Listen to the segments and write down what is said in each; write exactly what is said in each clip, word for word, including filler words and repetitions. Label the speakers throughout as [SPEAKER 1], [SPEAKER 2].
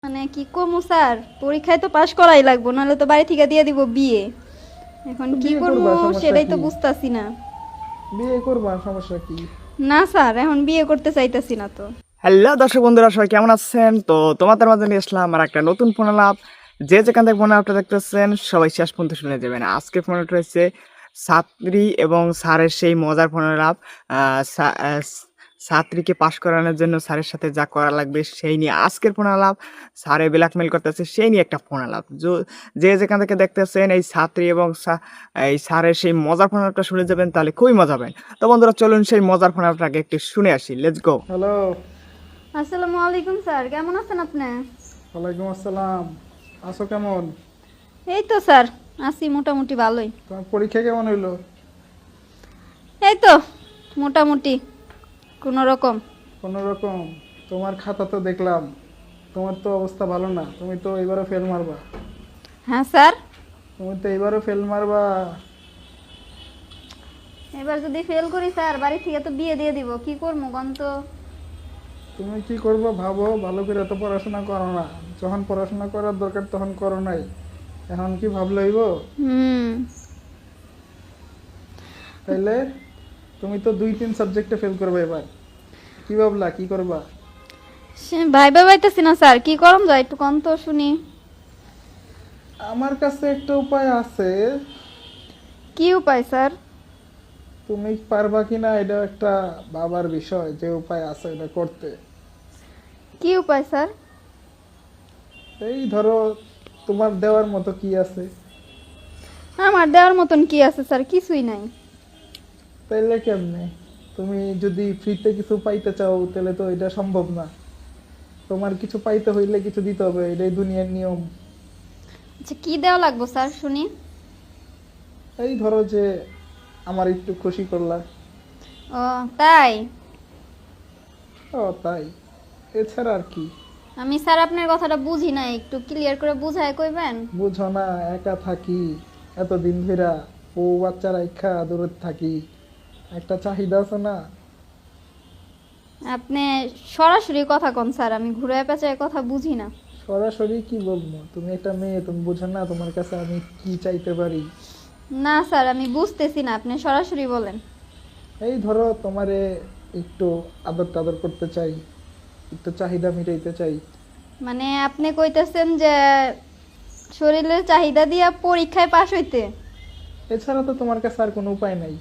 [SPEAKER 1] মানে কি কমু স্যার, পরীক্ষায় তো পাশ করাই লাগবো, নাহলে তো বাড়ি থেকে দিয়ে দিব বিয়ে। এখন
[SPEAKER 2] তো
[SPEAKER 1] কি
[SPEAKER 2] বিয়ে
[SPEAKER 1] করব
[SPEAKER 2] করবা, সমস্যা
[SPEAKER 1] সেটাই তো
[SPEAKER 2] কি?
[SPEAKER 1] বুঝতাছি না।
[SPEAKER 2] বিয়ে করবা, সমস্যা কি?
[SPEAKER 1] না স্যার, এখন বিয়ে করতে চাইতাছি না তো।
[SPEAKER 3] হ্যালো দর্শক বন্ধুরা, সবাই কেমন আছেন? তো তোমাদের মাঝে নিয়ে আসলাম আর একটা নতুন ফোন আলাপ। যে যেখান থেকে ফোন আলাপটা দেখতেছেন সবাই শেষ পর্যন্ত শুনে যাবেন। আজকে ফোন আলাপটা হচ্ছে ছাত্রী এবং স্যারের সেই মজার ফোন আলাপ। আহ, সা- আহ, ছাত্রীকে পাশ করানোর জন্য স্যারের সাথে যা করা লাগবে সেই নিয়ে আজকের ফোন আলাপ। স্যারে ব্ল্যাকমেল করতেছে সেই নিয়ে একটা ফোন আলাপ। যো- যে যেখান থেকে দেখতেছেন এই ছাত্রী এবং সা- এই স্যারের সেই মজার ফোন আলাপটা শুনে যাবেন, তাহলে খুবই মজা পাবেন। তো বন্ধুরা চলুন সেই মজার ফোন আলাপটাকে একটু শুনে আসি, লেটস গো।
[SPEAKER 2] হ্যালো।
[SPEAKER 1] আসসালামু আলাইকুম স্যার, কেমন আছেন আপনি?
[SPEAKER 2] ওয়ালাইকুম আসসালাম। আছো কেমন?
[SPEAKER 1] এই তো স্যার, আছি মোটামুটি ভালোই।
[SPEAKER 2] তোমার পরীক্ষা কেমন হইলো?
[SPEAKER 1] এই তো মোটামুটি কোনো রকম।
[SPEAKER 2] কোনো রকম। তোমার খাতা তো দেখলাম, তোমার তো অবস্থা ভালো না, তুমি তো এবারও ফেল মারবা।
[SPEAKER 1] হ্যাঁ স্যার,
[SPEAKER 2] তুমি তো এবারও ফেল মারবা।
[SPEAKER 1] এবার যদি ফেল করি স্যার, বাড়ি থেকে তো বিয়ে দিয়ে দিব, কি করবো গন তো।
[SPEAKER 2] তুমি কি করবা ভাবো, ভালো করে তো পড়াশোনা করো না। যখন পড়াশোনা করার দরকার তখন করো নাই, এখন কি ভাবলে হইব?
[SPEAKER 1] হুম।
[SPEAKER 2] তাইলে তুমি তো দুই তিন সাবজেক্টে ফেল করবে এবার, কি ভাবলা কি করবা?
[SPEAKER 1] সে ভাইবা পাইতেছি না স্যার, কি করম যায় একটু কম তো শুনি।
[SPEAKER 2] আমার কাছে একটা উপায় আছে।
[SPEAKER 1] কি উপায় স্যার?
[SPEAKER 2] তুমি পারবা কিনা এটা একটা বাবার বিষয়, যে উপায় আছে এটা করতে।
[SPEAKER 1] কি উপায় স্যার?
[SPEAKER 2] এই ধরো, তোমার দেওয়ার মতো কি আছে?
[SPEAKER 1] আমার দেওয়ার মতন কি আছে স্যার, কিছুই নাই।
[SPEAKER 2] তাইলে কেমনে? তুমি যদি ফ্রিতে কিছু পাইতে চাও তাহলে তো এটা সম্ভব না। তোমার কিছু পাইতে হইলে কিছু দিতে হবে, এটাই দুনিয়ার নিয়ম।
[SPEAKER 1] আচ্ছা, কি দেওয়া লাগবো স্যার শুনি।
[SPEAKER 2] এই ধরো যে আমার একটু খুশি করলা।
[SPEAKER 1] ও তাই?
[SPEAKER 2] ও তাই, এছাড়া আর কি?
[SPEAKER 1] আমি স্যার আপনার কথাটা বুঝি না, একটু ক্লিয়ার করে বুঝায় কইবেন?
[SPEAKER 2] বুঝো না, একা থাকি এতদিন ধইরা, বউ বাচ্চারা ইচ্ছা দূরে থাকি, একটা চাহিদা আছে না।
[SPEAKER 1] আপনি সরাসরি কথা কন স্যার, আমি ঘুরায় পেঁচায় কথা বুঝি না।
[SPEAKER 2] সরাসরি কি বলবো? তুমি একটা মেয়ে, তুমি বুঝো না তোমার কাছে আমি কি চাইতে পারি?
[SPEAKER 1] না স্যার, আমি বুঝতেছি না, আপনি সরাসরি বলেন।
[SPEAKER 2] এই ধরো, তোমারে একটু আদর টাদর করতে চাই, একটু চাহিদা মিটাইতে চাই।
[SPEAKER 1] মানে আপনি কইতেছেন যে শরীরের চাহিদা দিয়া পরীক্ষায় পাশ হইতে?
[SPEAKER 2] এছাড়া তো তোমার কাছে আর কোনো উপায় নাই।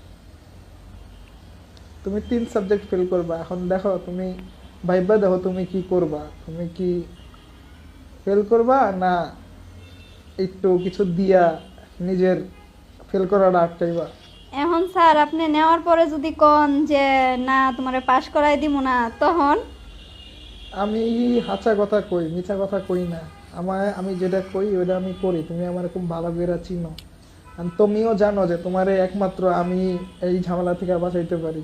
[SPEAKER 2] তুমি তিন সাবজেক্ট ফেল করবা, এখন দেখো তুমি ভাইবা দেখো তুমি কি করবা। তুমি কি ফেল করবা, না একটু কিছু দিয়া নিজের ফেল করাটা আটকাইবা?
[SPEAKER 1] এখন স্যার আপনি নেওয়ার পরে যদি কন যে না তোমারে পাশ করাই দিব না, তখন?
[SPEAKER 2] আমি হাঁচা কথা কই, মিছা কথা কই না। আমায় আমি যেটা কই ওটা আমি করি, তুমি আমার খুব ভালো করে চিনো। আর তুমিও জানো যে তোমারে একমাত্র আমি এই ঝামেলা থেকে বাঁচাইতে পারি।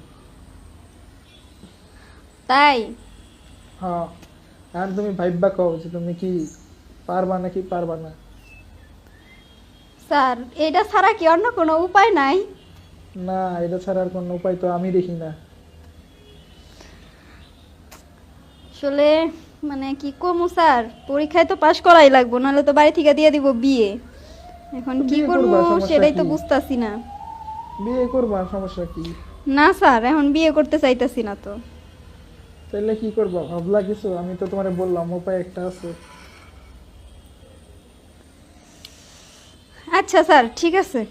[SPEAKER 1] তাই?
[SPEAKER 2] হ্যাঁ। আর তুমি ভাইবা কও যে তুমি কি পারবা নাকি পারবা না।
[SPEAKER 1] স্যার এটা ছাড়া কি অন্য কোনো উপায় নাই?
[SPEAKER 2] না, এটা ছাড়া আর কোনো উপায় তো আমি দেখি না।
[SPEAKER 1] আসলে মানে কি কমু স্যার, পরীক্ষায় তো পাশ করাই লাগবো, নাহলে তো বাড়ি থেকে দিয়ে দিব বিয়ে। এখন
[SPEAKER 2] তো
[SPEAKER 1] কি
[SPEAKER 2] বিয়ে
[SPEAKER 1] করব
[SPEAKER 2] করবা, সমস্যা
[SPEAKER 1] সেটাই তো
[SPEAKER 2] কি?
[SPEAKER 1] বুঝতাছি না।
[SPEAKER 2] বিয়ে করবা, সমস্যা কি?
[SPEAKER 1] না স্যার, এখন বিয়ে করতে চাইতাছি না তো।
[SPEAKER 2] তাহলে কি করবা ভাবলা কিছু? আমি তো তোমারে বললাম উপায় একটা আছে।
[SPEAKER 1] আচ্ছা স্যার, ঠিক আছে।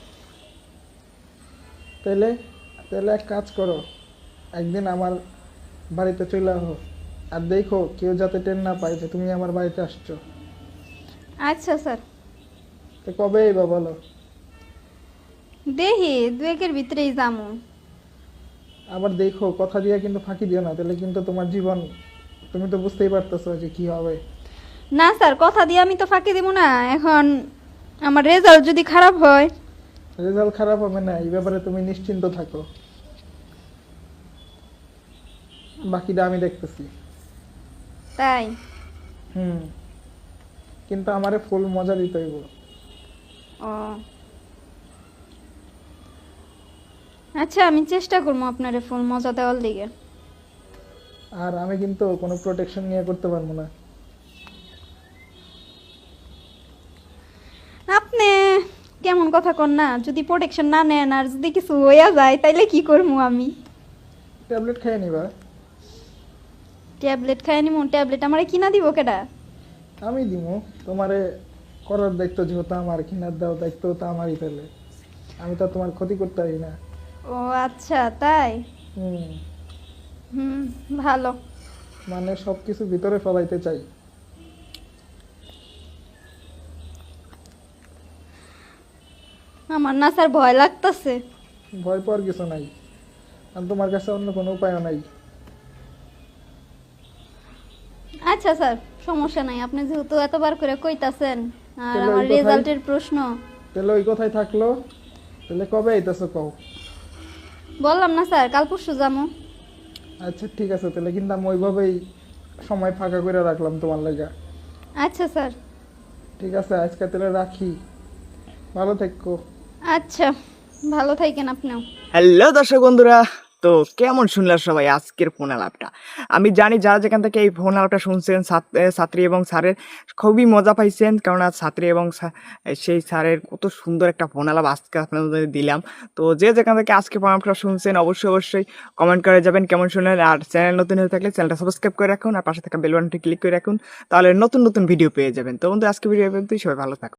[SPEAKER 2] তাহলে তাহলে এক কাজ করো, একদিন আমার বাড়িতে চলে আসো, আর দেখো কেউ যাতে টের না পায় যে তুমি আমার বাড়িতে আসছো।
[SPEAKER 1] আচ্ছা স্যার,
[SPEAKER 2] তো কবে বা বলো?
[SPEAKER 1] দেখি দু একের ভিতরেই যামু।
[SPEAKER 2] আবার দেখো, কথা দিয়ে কিন্তু ফাঁকি দিও না, তাহলে কিন্তু তোমার জীবন, তুমি তো বুঝতেই পারতেছো যে কি হবে।
[SPEAKER 1] না স্যার, কথা দিয়ে আমি তো ফাঁকি দিব না। এখন আমার রেজাল্ট যদি খারাপ হয়?
[SPEAKER 2] রেজাল্ট খারাপ হবে না, এই ব্যাপারে তুমি নিশ্চিন্ত থাকো, বাকিটা আমি দেখতেছি।
[SPEAKER 1] তাই?
[SPEAKER 2] হুম। কিন্তু আমারে ফুল মজা দিতে হইব।
[SPEAKER 1] ও আচ্ছা, আমি চেষ্টা করবো আপনারে ফুল মজা দেওয়ার লিগে।
[SPEAKER 2] আর আমি কিন্তু কোনো প্রোটেকশন নিয়ে করতে পারবো না।
[SPEAKER 1] কথা কন না, যদি প্রোটেকশন না নেন আর যদি কিছু হইয়া যায় তাইলে কি করবো আমি?
[SPEAKER 2] ট্যাবলেট খেয়ে নিবা।
[SPEAKER 1] ট্যাবলেট খাই নিমু? ট্যাবলেট আমারে কিনা দিব কেডা?
[SPEAKER 2] আমি দিমু তোমারে, করার দায়িত্ব যেহেতু আমার, কিনার দেওয়ার দায়িত্ব তো আমারই, তাহলে আমি তো আর তোমার ক্ষতি করতে পারি না।
[SPEAKER 1] ও আচ্ছা তাই।
[SPEAKER 2] হুম,
[SPEAKER 1] হুম, ভালো।
[SPEAKER 2] মানে সব কিছু ভিতরে ফলাইতে চাই।
[SPEAKER 1] আমার না স্যার ভয় লাগতাছে।
[SPEAKER 2] ভয় পাওয়ার কিছু নাই, আর তোমার কাছে অন্য কোনো উপায়ও নাই।
[SPEAKER 1] আচ্ছা স্যার, সমস্যা নাই, আপনি যেহেতু এতবার করে কইতাছেন আর
[SPEAKER 2] তাহলে
[SPEAKER 1] আমার
[SPEAKER 2] ওই কথাই-
[SPEAKER 1] রেজাল্টের প্রশ্ন।
[SPEAKER 2] তাহলে ওই কথাই থাকলো, তাহলে কবে আইতেছো কও?
[SPEAKER 1] বললাম না স্যার, কাল পরশু যাবো।
[SPEAKER 2] আচ্ছা ঠিক আছে, তাহলে কিন্তু আমি ওইভাবেই সময় ফাঁকা করে রাখলাম তোমার লাগা।
[SPEAKER 1] আচ্ছা স্যার।
[SPEAKER 2] ঠিক আছে, আজকে তাহলে রাখি, ভালো থেকো।
[SPEAKER 1] আচ্ছা, ভালো থাকেন আপনিও।
[SPEAKER 3] হ্যালো দর্শক বন্ধুরা, তো কেমন শুনলেন সবাই আজকের ফোন আলাপটা? আমি জানি যারা যেখান থেকে এই ফোন আলাপটা শুনছেন, ছাত- এ, ছাত্রী এবং স্যারের খুবই মজা পাইছেন, কারণ আজ ছাত্রী এবং সা- এ, সেই স্যারের কত সুন্দর একটা ফোন আলাপ আজকে আপনাদের দিলাম। তো যে যেখান থেকে আজকে ফোন আলাপটা শুনছেন অবশ্যই অবশ্যই কমেন্ট করে যাবেন কেমন শুনলেন, আর চ্যানেল নতুন হয়ে থাকলে চ্যানেলটা সাবস্ক্রাইব করে রাখুন আর পাশে থাকা বেল বাটনটি ক্লিক করে রাখুন, তাহলে নতুন নতুন ভিডিও পেয়ে যাবেন। তো বন্ধু আজকে ভিডিও পর্যন্তই, সবাই ভালো থাকুন।